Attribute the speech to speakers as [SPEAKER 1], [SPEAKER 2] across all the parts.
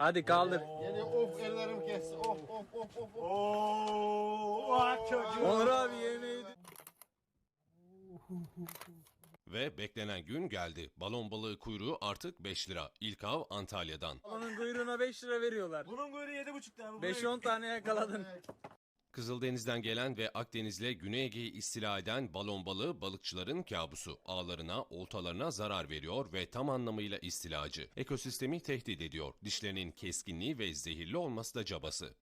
[SPEAKER 1] Hadi kaldır.
[SPEAKER 2] Yani of ellerim kesti. Of.
[SPEAKER 1] Onur abi yemeği.
[SPEAKER 3] Ve beklenen gün geldi. Balon balığı kuyruğu artık 5 lira. İlk av Antalya'dan.
[SPEAKER 1] Balonun kuyruğuna 5 lira veriyorlar.
[SPEAKER 4] Bunun kuyruğu 7,5 lira.
[SPEAKER 1] 5-10 tane yakaladın.
[SPEAKER 3] Kızıldeniz'den gelen ve Akdeniz'le Güney Ege'yi istila eden balon balığı balıkçıların kabusu. Ağlarına, oltalarına zarar veriyor ve tam anlamıyla istilacı. Ekosistemi tehdit ediyor. Dişlerinin keskinliği ve zehirli olması da cabası.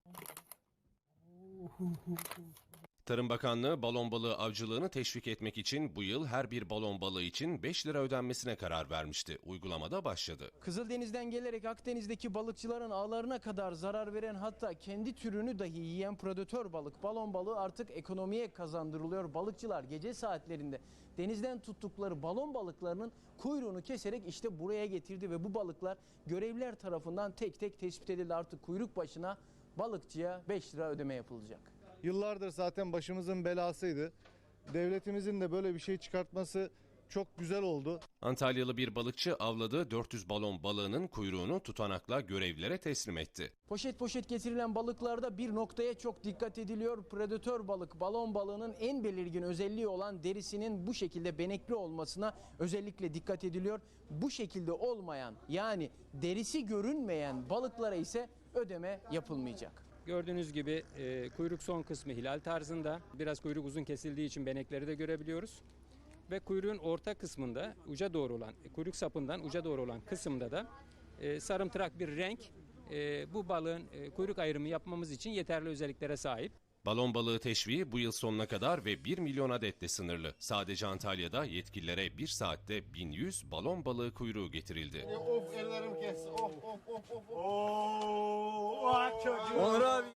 [SPEAKER 3] Tarım Bakanlığı balon balığı avcılığını teşvik etmek için bu yıl her bir balon balığı için 5 lira ödenmesine karar vermişti. Uygulamada başladı.
[SPEAKER 5] Kızıldeniz'den gelerek Akdeniz'deki balıkçıların ağlarına kadar zarar veren, hatta kendi türünü dahi yiyen predatör balık, balon balığı artık ekonomiye kazandırılıyor. Balıkçılar gece saatlerinde denizden tuttukları balon balıklarının kuyruğunu keserek işte buraya getirdi ve bu balıklar görevliler tarafından tek tek tespit edildi. Artık kuyruk başına balıkçıya 5 lira ödeme yapılacak.
[SPEAKER 6] Yıllardır zaten başımızın belasıydı. Devletimizin de böyle bir şey çıkartması çok güzel oldu.
[SPEAKER 3] Antalyalı bir balıkçı avladığı 400 balon balığının kuyruğunu tutanakla görevlilere teslim etti.
[SPEAKER 5] Poşet poşet getirilen balıklarda bir noktaya çok dikkat ediliyor. Predatör balık, balon balığının en belirgin özelliği olan derisinin bu şekilde benekli olmasına özellikle dikkat ediliyor. Bu şekilde olmayan, yani derisi görünmeyen balıklara ise ödeme yapılmayacak.
[SPEAKER 7] Gördüğünüz gibi kuyruk son kısmı hilal tarzında. Biraz kuyruk uzun kesildiği için benekleri de görebiliyoruz. Ve kuyruğun orta kısmında uca doğru olan, kuyruk sapından uca doğru olan kısımda da sarımtırak bir renk bu balığın kuyruk ayrımı yapmamız için yeterli özelliklere sahip.
[SPEAKER 3] Balon balığı teşviği bu yıl sonuna kadar ve 1 milyon adetle sınırlı. Sadece Antalya'da yetkililere 1 saatte 1100 balon balığı kuyruğu getirildi.
[SPEAKER 2] Yani of ellerim kesti. Of.
[SPEAKER 1] Onur abi.